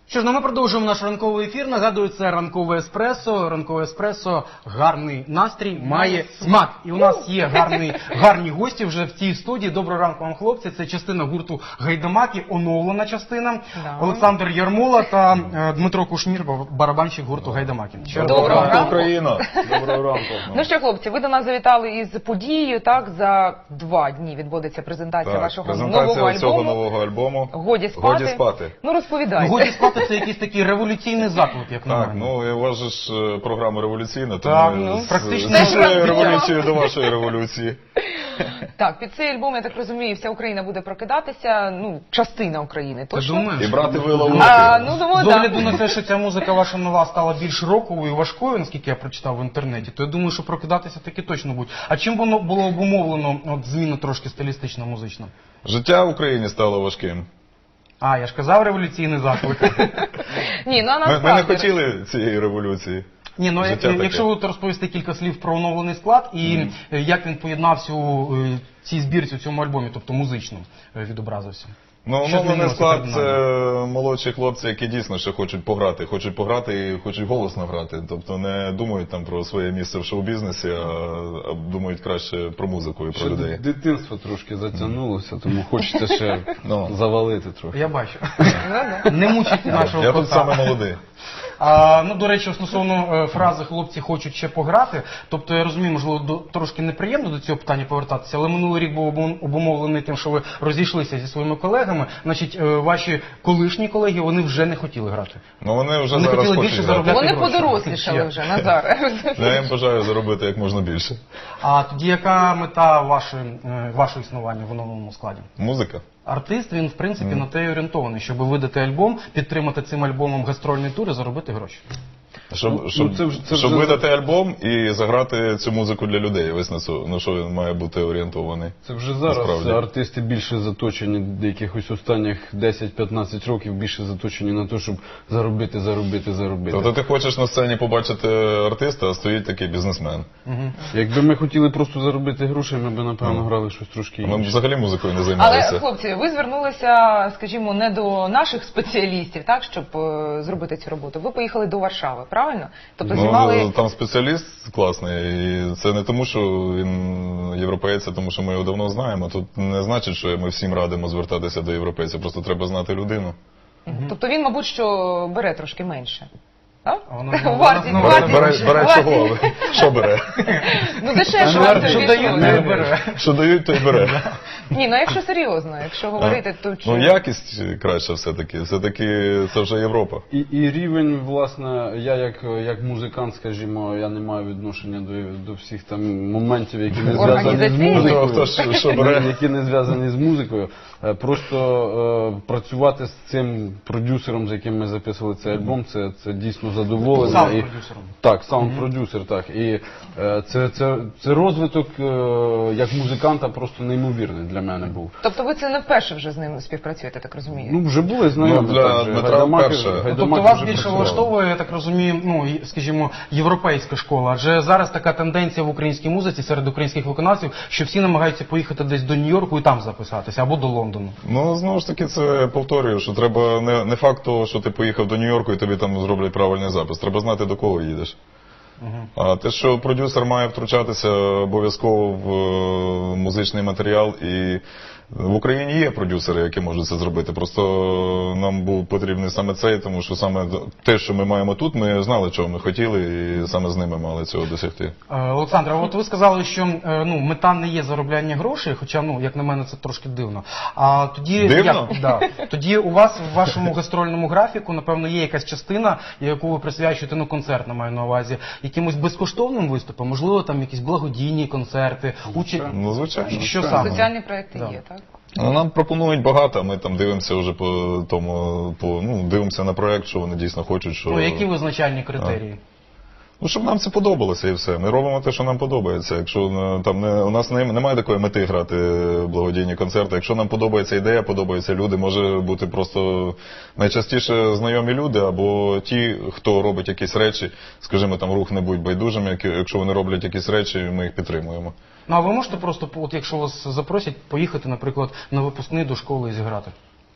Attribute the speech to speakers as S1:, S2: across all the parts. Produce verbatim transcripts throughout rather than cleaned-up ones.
S1: Що ж, ну ми продовжуємо наш ранковий ефір. Нагадую, це ранкове еспресо. Ранкове еспресо, гарний настрій, має смак. І у нас є гарний, гарні гості вже в цій студії. Доброго ранку вам, хлопці. Це частина гурту «Гайдамаки», оновлена частина. Да. Олександр Ярмола та е, Дмитро Кушнір, барабанщик гурту «Гайдамаки».
S2: Доброго ранку,
S3: Україна. Доброго ранку.
S2: Ну що, хлопці, ви до нас завітали із подією, так? За два дні відбудеться презентація
S3: так,
S2: вашого
S3: презентація
S2: нового альбому.
S3: цього нового альбому.
S2: «Годі спати».
S3: Годі спати.
S2: Ну, розповідайте.
S1: «Годі спати» – це якийсь такий революційний заклик, як на
S3: Так,
S1: мене.
S3: ну, у вас же ж програма революційна,
S1: Так,
S3: тому
S1: ну,
S3: з,
S1: практично.
S3: з нашої революції до вашої революції.
S2: Так, під цей альбом, я так розумію, вся Україна буде прокидатися, ну, частина України, точно?
S1: думаєш?
S3: І брати вила в руки.
S2: А, ну, думаю,
S1: З
S2: так.
S1: огляду на те, що ця музика ваша нова стала більш роковою і важкою, наскільки я прочитав в інтернеті, то я думаю, що прокидатися таки точно будуть. А чим воно було обумовлено, от зміна трошки стилістична, музична?
S3: Життя в Україні стало важким.
S1: А, я ж казав, революційний заклик.
S2: Ні, ну, а
S3: Ми, ми
S2: насправді...
S3: не хотіли цієї революції.
S1: Ні, ну
S3: Життя таке.
S1: якщо ви розповісти кілька слів про оновлений склад і mm. як він поєднався у е, цій збірці, у цьому альбомі, тобто музично е, відобразився.
S3: Ну, оновлений склад – це молодші хлопці, які дійсно ще хочуть пограти. Хочуть пограти і хочуть голосно грати. Тобто не думають там про своє місце в шоу-бізнесі, а, а думають краще про музику і про
S4: ще
S3: людей.
S4: Дитинство трошки затягнулося, тому хочеться ще
S3: ну.
S4: завалити трохи.
S1: Я бачу. Не мучить нашого
S3: Я
S1: кота.
S3: тут саме молодий.
S1: А, ну, до речі, стосовно е, фрази «хлопці хочуть ще пограти», тобто я розумію, можливо, до, трошки неприємно до цього питання повертатися, але минулий рік був обум- обумовлений тим, що ви розійшлися зі своїми колегами, значить, е, ваші колишні колеги, вони вже не хотіли грати.
S3: Ну, вони вже
S1: Вони
S3: зараз
S1: хотіли
S3: хочуть
S1: більше
S3: грати.
S1: заробляти.
S2: Вони
S1: гроші.
S2: подорослішали вже, Назар.
S3: Я їм бажаю заробити як можна більше.
S1: А тоді яка мета вашої, е, вашого існування в оновленому складі?
S3: Музика.
S1: Артист, він, в принципі,
S3: Mm.
S1: на те й орієнтований, щоб видати альбом, підтримати цим альбомом гастрольний тур і заробити гроші.
S3: Щоб,
S4: Ну,
S3: щоб,
S4: ну, це вже- це
S3: щоб
S4: вже-
S3: видати альбом і заграти цю музику для людей. Ось на, цю, на що він має бути орієнтований.
S4: Це вже зараз
S3: Насправді.
S4: артисти більше заточені, якихось останніх десять-п'ятнадцять років більше заточені на те, щоб заробити, заробити, заробити.
S3: Тобто ти хочеш на сцені побачити артиста, а стоїть такий бізнесмен.
S1: Угу.
S4: Якби ми хотіли просто заробити гроші, ми б, напевно,
S3: Ну.
S4: грали щось трошки
S3: Ми б
S4: інше.
S3: взагалі музикою не
S2: Але,
S3: займалися.
S2: хлопці, ви звернулися, скажімо, не до наших спеціалістів, так, щоб е, зробити цю роботу. Ви поїхали до Варшави, правильно? Тобто знімали...
S3: Ну, там спеціаліст класний, і це не тому, що він європейець, а тому що ми його давно знаємо. Тут не значить, що ми всім радимо звертатися до європейця, просто треба знати людину.
S2: Тобто він, мабуть, що бере трошки менше. Так?
S1: А воно- воно-
S2: Вартість,
S1: воно-
S3: Бере,
S2: вартість.
S3: бере, бере
S2: Вартість.
S3: чого? Що бере?
S2: Ну, дешевше вам це
S1: Що
S2: більше
S1: дають,
S2: буде.
S1: не бере.
S3: Що дають, то й бере.
S2: Ні, ну якщо серйозно, якщо говорити, то чи...
S3: Ну, якість краща все-таки. Все-таки це вже Європа.
S4: І, і рівень, власне, я як, як музикант, скажімо, я не маю відношення до, до всіх там моментів, які не зв'язані з
S2: Організаційні?
S4: музикою.
S3: Хто ж що бере?
S4: Які не зв'язані з музикою. Е, Просто е, працювати з цим продюсером, з яким ми записували цей альбом, це, це дійсно задоволення. І-
S1: Саунд-продюсером.
S4: Так, саунд-продюсер, так. І е, це, це, це розвиток е, як музиканта просто неймовірний для мене був.
S2: Тобто ви це не вперше вже з ним співпрацюєте, так розумію?
S4: Ну, вже були знайомі.
S3: Ну, для
S4: так же.
S3: Дмитра
S4: Гайдамаки-
S3: вперше.
S4: Гайдамаки
S1: Тобто вас
S4: вже
S1: більше
S4: працювали.
S1: влаштовує, я так розумію, ну, і, скажімо, європейська школа. Адже зараз така тенденція в українській музиці серед українських виконавців, що всі намагаються поїхати десь до Нью-Йорку і там записатися, або до Лондону.
S3: Ну, знову ж таки, це повторюю, що треба не, не факт того, що ти поїхав до Нью-Йорку і тобі там зроблять правильний запис. Треба знати, до кого їдеш. А те, що продюсер має втручатися обов'язково в е, музичний матеріал, і в Україні є продюсери, які можуть це зробити. Просто нам був потрібний саме цей, тому що саме те, що ми маємо тут, ми знали, чого ми хотіли, і саме з ними мали цього досягти.
S1: Е, Олександр, а от ви сказали, що е, ну, мета не є заробляння грошей, хоча, ну, як на мене, це трошки дивно. А тоді,
S3: Дивно?
S1: Як, да, тоді у вас в вашому гастрольному графіку, напевно, є якась частина, яку ви присвячуєте, ну, концертна, маю на увазі, якимось безкоштовним виступам, можливо, там якісь благодійні концерти, участь.
S3: Ну, звичайно.
S1: Що саме?
S2: Соціальні проекти
S1: Да.
S2: є, так?
S3: Ну, нам пропонують багато, а ми там дивимося вже по тому, по, ну, дивимося на проект, що вони дійсно хочуть. Що...
S1: Ну, які визначальні критерії?
S3: Ну, щоб нам це подобалося і все. Ми робимо те, що нам подобається. Якщо е, там не, у нас не, немає такої мети грати благодійні концерти. Якщо нам подобається ідея, подобаються люди, може бути просто найчастіше знайомі люди, або ті, хто робить якісь речі, скажімо, там рух не будь байдужим, які- якщо вони роблять якісь речі, ми їх підтримуємо.
S1: Ну, а ви можете просто, от якщо вас запросять, поїхати, наприклад, на випускний до школи і зіграти?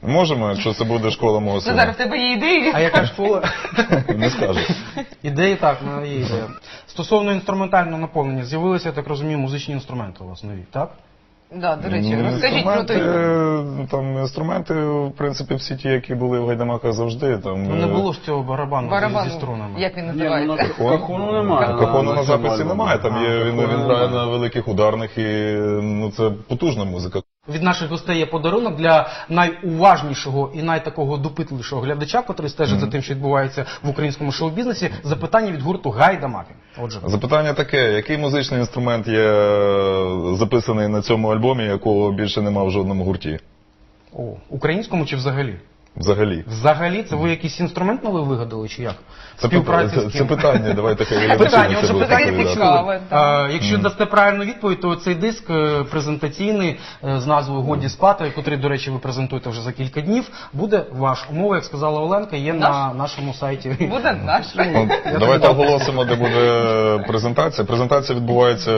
S3: Можемо, якщо це буде школа мого
S2: Назар,
S3: сина.
S2: в тебе є ідеї?
S1: А яка школа?
S3: Не скажу.
S1: Ідеї так, ну, є ідея. Стосовно інструментального наповнення, з'явилися, я так розумію, музичні інструменти у вас нові, так?
S2: Да, до речі,
S3: Ну,
S2: розкажіть про
S3: інструменти,
S2: той.
S3: там, інструменти, в принципі, всі ті, які були в Гайдамаках завжди. Там,
S1: Ну не
S3: е,
S1: було ж цього барабану,
S2: Барабан,
S1: зі струнами.
S2: як він
S4: Ні, ну,
S2: називається?
S4: на кахону немає.
S3: Кахону на
S4: цьому
S3: записі
S4: альбомі.
S3: немає, там є,
S4: А,
S3: він,
S4: кахону
S3: він грає
S4: немає.
S3: на великих ударних і ну, це потужна музика.
S1: Від наших гостей є подарунок для найуважнішого і найтакого допитливішого глядача, котрий стежить за тим, що відбувається в українському шоу-бізнесі. Запитання від гурту Гайдамаки. Отже,
S3: Запитання таке, який музичний інструмент є записаний на цьому альбомі, якого більше нема в жодному гурті?
S1: о, українському чи взагалі?
S3: Взагалі.
S1: Взагалі, це ви якийсь інструмент новий вигадали, чи як?
S3: Це,
S1: Співпраці
S3: питання,
S1: з
S3: це,
S1: ким?
S3: це питання, давайте хай глядачі
S1: Питання,
S3: на це
S1: отже,
S3: будуть
S1: питання
S3: відповідати.
S1: почули.
S2: Цікаве, так.
S1: А, якщо дасте правильну відповідь, то цей диск е, презентаційний е, з назвою «Годі спати», котрий, до речі, ви презентуєте вже за кілька днів, буде ваш. Умова, як сказала Оленка, є на нашому сайті.
S2: Буде наш.
S3: Ну, давайте оголосимо, де буде презентація. Презентація відбувається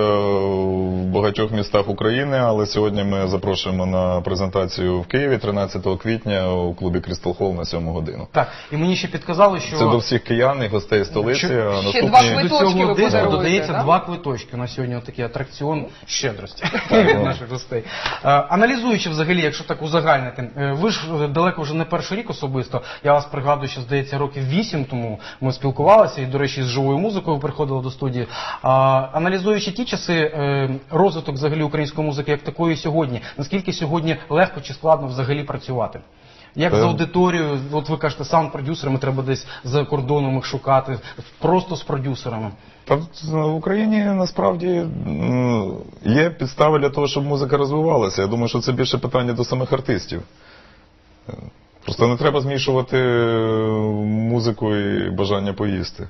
S3: в багатьох містах України, але сьогодні ми запрошуємо на презентацію в Києві тринадцятого квітня у клубі Crystal Hall на сьому годину.
S1: Так, і мені ще підказали, що...
S3: Це до всіх киян і гостей столиці.
S1: Ще-
S3: а
S2: ще
S3: наступні...
S2: два
S1: До
S2: квиточки
S1: цього
S2: ви
S1: диску
S2: подаруєте,
S1: додається
S2: да?
S1: два квиточки. На сьогодні такий атракціон щедрості від наших гостей. Е, Аналізуючи взагалі, якщо так узагальнити, е, ви ж е, далеко вже не перший рік особисто. Я вас пригадую, що здається років вісім тому ми спілкувалися і, до речі, з живою музикою ви приходили до студії. А, аналізуючи ті часи, е, розвиток взагалі української музики як такої сьогодні, наскільки сьогодні легко чи складно взагалі працювати? Як
S3: Та-
S1: з аудиторією, от ви кажете, саунд-продюсерами треба десь за кордоном їх шукати, просто з продюсерами.
S3: Та в Україні насправді м, є підстави для того, щоб музика розвивалася. Я думаю, що це більше питання до самих артистів. Е, Просто не треба змішувати е, музику і бажання поїсти.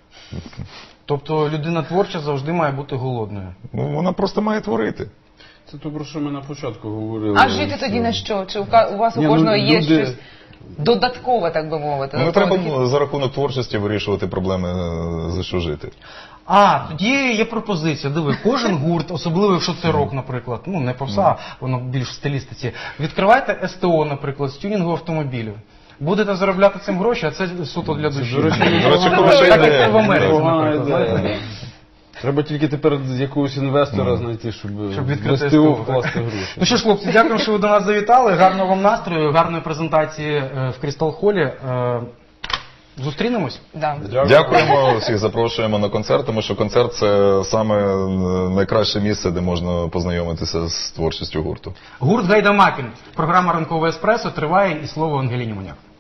S1: Тобто людина творча завжди має бути голодною.
S3: Ну, вона просто має творити.
S4: Це то, про що ми на початку говорили.
S2: А жити тоді на що? Чи у ка- у вас у
S4: Ні, ну,
S2: кожного є
S4: люди-
S2: щось додаткове, так би мовити?
S3: Ну, не
S2: додатковий
S3: треба
S2: дохід?
S3: за рахунок творчості вирішувати проблеми, е, за що жити.
S1: А, тоді є пропозиція. Диви, кожен гурт, особливо якщо це рок, наприклад, ну не попса, воно більш в стилістиці. Відкривайте СТО, наприклад, з тюнінгу автомобілів. Будете заробляти цим гроші, а це суто для душі.
S4: До речі,
S3: До речі,
S1: Так,
S3: хороша
S1: як
S3: ідея.
S1: це в Америці,
S4: Непогана
S1: наприклад.
S4: ідея,
S1: знаєте?
S4: да. Треба тільки тепер якогось інвестора знайти, щоб,
S1: Щоб
S4: в
S1: відкрити
S4: СТО
S1: СТО,
S4: вкласти
S1: так.
S4: гроші.
S1: Ну що ж, хлопці, дякую, що ви до нас завітали. Гарного вам настрою, гарної презентації е, в Крістал Холі. Е, Зустрінемось.
S2: Да.
S3: Дякуємо, всіх запрошуємо на концерт, тому що концерт це саме е, найкраще місце, де можна познайомитися з творчістю гурту.
S1: Гурт Гайдамакін. Програма «Ранкове еспресо» триває, і слово Ангеліні Моняк.